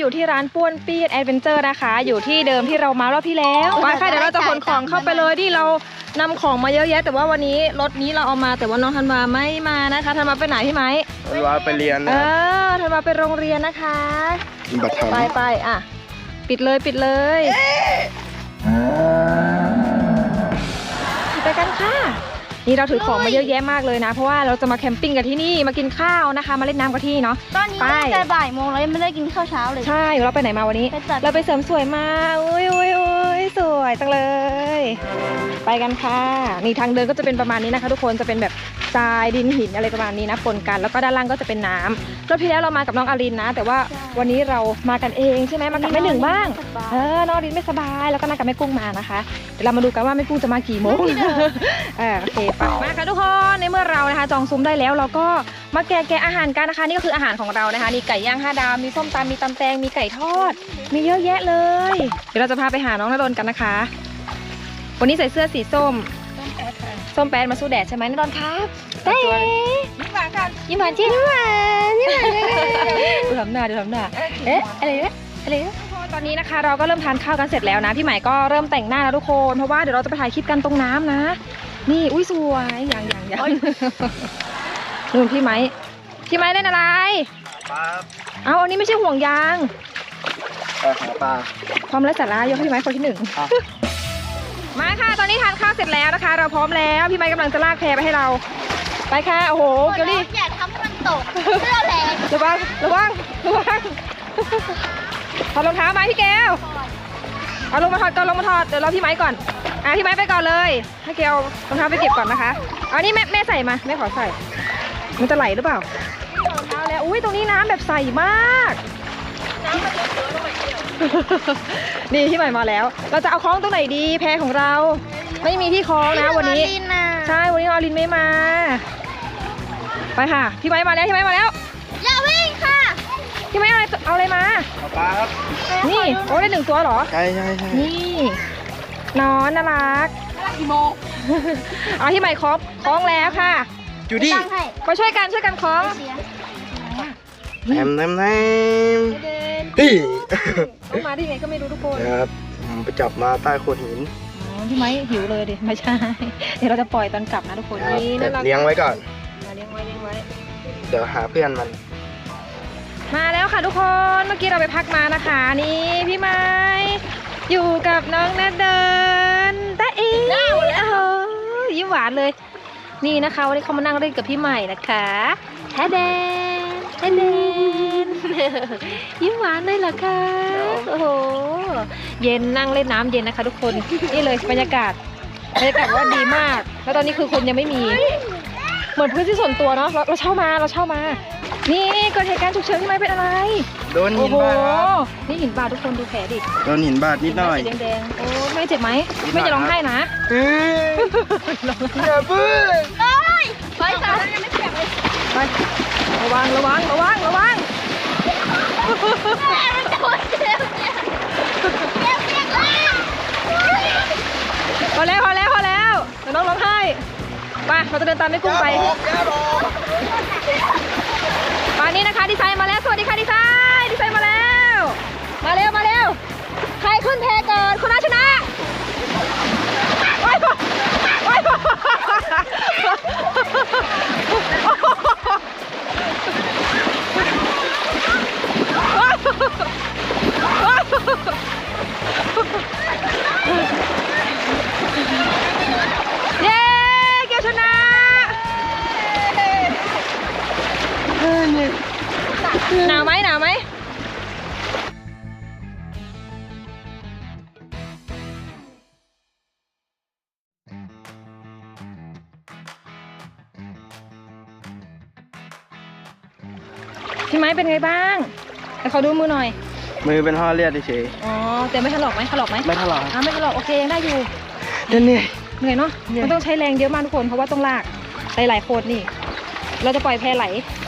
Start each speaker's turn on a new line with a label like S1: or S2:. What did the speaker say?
S1: อยู่ที่ร้านป้วนปี้แอดเวนเจอร์นะคะอยู่ที่เดิมที่เรามารอบที่แล้วไปค่ะเดี๋ยวเราจะขนของเข้าไปเลยที่เรานำของมาเยอะแยะแต่ว่าวันนี้รถนี้เราเอามาแต่ว่าน้องธันวาไม่มานะคะธันวาไปไหนพี่ไม้
S2: ธันวาไปเรียนนะ
S1: ธันวาไปโรงเรียนนะคะ
S2: บัตรท
S1: ไปอ่ะปิดเลยไปกันค่ะนี่เราถือของมาเยอะแยะมากเลยนะเพราะว่าเราจะมาแคมปิ้งกันที่นี่มากินข้าวนะคะมาเล่นน้ำกันที่นี่เนาะ
S3: ตอนนี้น่าจะบ่ายโมงแล้วยังไม่ได้กินข้าวเช้าเลย
S1: ใช่เราไปไหนมาวันนี้เราไปเสริมสวยมาอุ้ยสวยจังเลยไปกันค่ะนี่ทางเดินก็จะเป็นประมาณนี้นะคะทุกคนจะเป็นแบบทรายดินหินอะไรประมาณนี้นะปนกันแล้วก็ด้านล่างก็จะเป็นน้ำรอบที่แล้วเรามากับน้องอารินนะแต่ว่าวันนี้เรามากันเองใช่ไหมมากับแม่หนึ่งบ้างน้องอารินไม่สบายแล้วก็นั่งกับแม่กุ้งมานะคะเดี๋ยวเรามาดูกันว่าแม่กุ้งจะมากี่โมงโอเคไปมาค่ะทุกคนในเมื่อเรานะคะจองซุ้มได้แล้วเราก็มาแกะอาหารกันนะคะนี่ก็คืออาหารของเรานะคะนี่ไก่ย่าง5 ดาวมีส้มตำมีตำแตงมีไก่ทอดมีเยอะแยะเลยเดี๋ยวเราจะพาไปหาน้องณดลกันนะคะวันนี้ใส่เสื้อสีส้มมาสู้แดดใช่ไหมณดลครับเต้ยิ้มหวานกันยิ้มหวานจริงยิ้มหวานดูทำหน้าเอ๊ะอะไรตอนนี้นะคะเราก็เริ่มทานข้าวกันเสร็จแล้วนะพี่ใหม่ก็เริ่มแต่งหน้าแล้วทุกคนเพราะว่าเดี๋ยวเราจะไปถ่ายคลิปกันตรงน้ำนะนี่อุ้ยสวยอย่างนู่นพี่ไม้เล่นอะไร
S2: ำปลา
S1: เอาอันนี้ไม่ใช่ห่วงยาง
S2: หาปลา
S1: ความไร้สาระยกให้พี่ไม้คนที่ 1มาค่ะตอนนี้ทานข้าวเสร็จแล้วนะคะ เราพร้อมแล้วพี่ไม้กำลังจะลากแพไปให้เราไปค่ะโอ้โหเกลลี่
S3: อย่าทำให้มันตกเสื้อแรง
S1: ระวังถอดรองเท้าไหมพี่แก้วเอาลงมาถอดเดี๋ยวรอพี่ไม้ก่อนพี่ไม้ไปก่อนเลยให้แก้วรองเท้าไปเก็บก่อนนะคะเอานี่แม่ใส่มาแม่ขอใส่มันจะไหลหรือเปล่ารองเท้าแล้วอุ้ยตรงนี้น้ำแบบใสมากนี่พี่ใหม่มาแล้วเราจะเอาคล้องตรงไหนดีแพของเราไม่มีที่คล้องนะวันนี้ใช่วันนี้อลินไม่มาไปค่ะพี่ไม้มาแล้ว
S3: อย่าวิ่งค่ะ
S1: พี่ไม้เอาอะไรมา
S2: ปลาครับ
S1: นี่โอ้ได้1 ตัวเหรอ
S2: ใช่
S1: นี่นอนน่ารัก
S3: กี่โมง
S1: เอาที่ใหม่คล้องแล้วค่ะ
S2: จูดี้
S3: ตั้งให้
S1: มาช่วยกันคล้อง
S3: เสีย
S2: แนมพี่
S1: ต้องมาที่ไหนก็ไม่รู้ทุกคน
S2: นะครับผมไปจับมาใต้โขดหิน
S1: พี่ไม้หิวเลยดิไม่ใช่ เดี๋ยวเราจะปล่อยตอนกลับนะทุกคน
S2: นะครับ
S1: นี่
S2: แต่
S1: น่ารัก
S2: เลี้ยงไว้ก่อน
S1: เลี้ยงไว้
S2: เดี๋ยวหาเพื่อนมัน
S1: มาแล้วค่ะทุกคนเมื่อกี้เราไปพักมานะคะนี่พี่ไม้อยู่กับน้องนาเดินตาเอ๋ยิ้มหวานเลยนี่นะคะวันนี้เขามานั่งเล่นกับพี่ใหม่นะคะแฮเดนยิ้มหวานเลยเหรอคะโอ้โหเย็นนั่งเล่นน้ำเย็นนะคะทุกคนนี่เลยบรรยากาศว่าดีมากแล้วตอนนี้คือคนยังไม่มีเหมือนพื้นที่ส่วนตัวเนาะเราเช่ามานี่เกิดเหตุการณ์ฉุกเฉินที่ไม่เป็นอะไร
S2: โดนหินบาดครับ
S1: นี่หินบาดทุกคนดูแผลดิ
S2: โดนหินบาดนิดหน่อย
S1: สีแดงๆโอ้ไม่เจ็บไหมไม่จะร้องไห้นะ
S2: อย่าเพิ่ง
S3: ไปค่ะยังไม่เสียบเลย
S1: ไประวัง
S3: มันจะโดนเสียบ
S1: พอแล้วเดี๋ยวน้องร้องไห้ไปเราจะเดินตามแม่กุ้งไปป่านนี้นะคะดีไซน์มาแล้วสวัสดีค่ะดีไซน์มาแล้วมาเร็วใครขึ้นแพก่อนคนนั้นชนะโอ๊ยเย้เกียวชนะหนาวไหมพี่ไม้เป็นไงบ้างให้เขาดูมือหน่อย
S2: มือเป็นห่อเลือดเฉย
S1: อ๋อแต่ไม่ถลอกไหมไม่ถลอก
S2: ไม่ถลอก
S1: ไม่ถลอกโอเคยังได้อยู่
S2: เหนื่อย
S1: เหนื่อยเนาะมันต้องใช้แรงเยอะมากทุกคนเพราะว่าต้องลากหลายๆคนนี่เราจะปล่อยแพไหล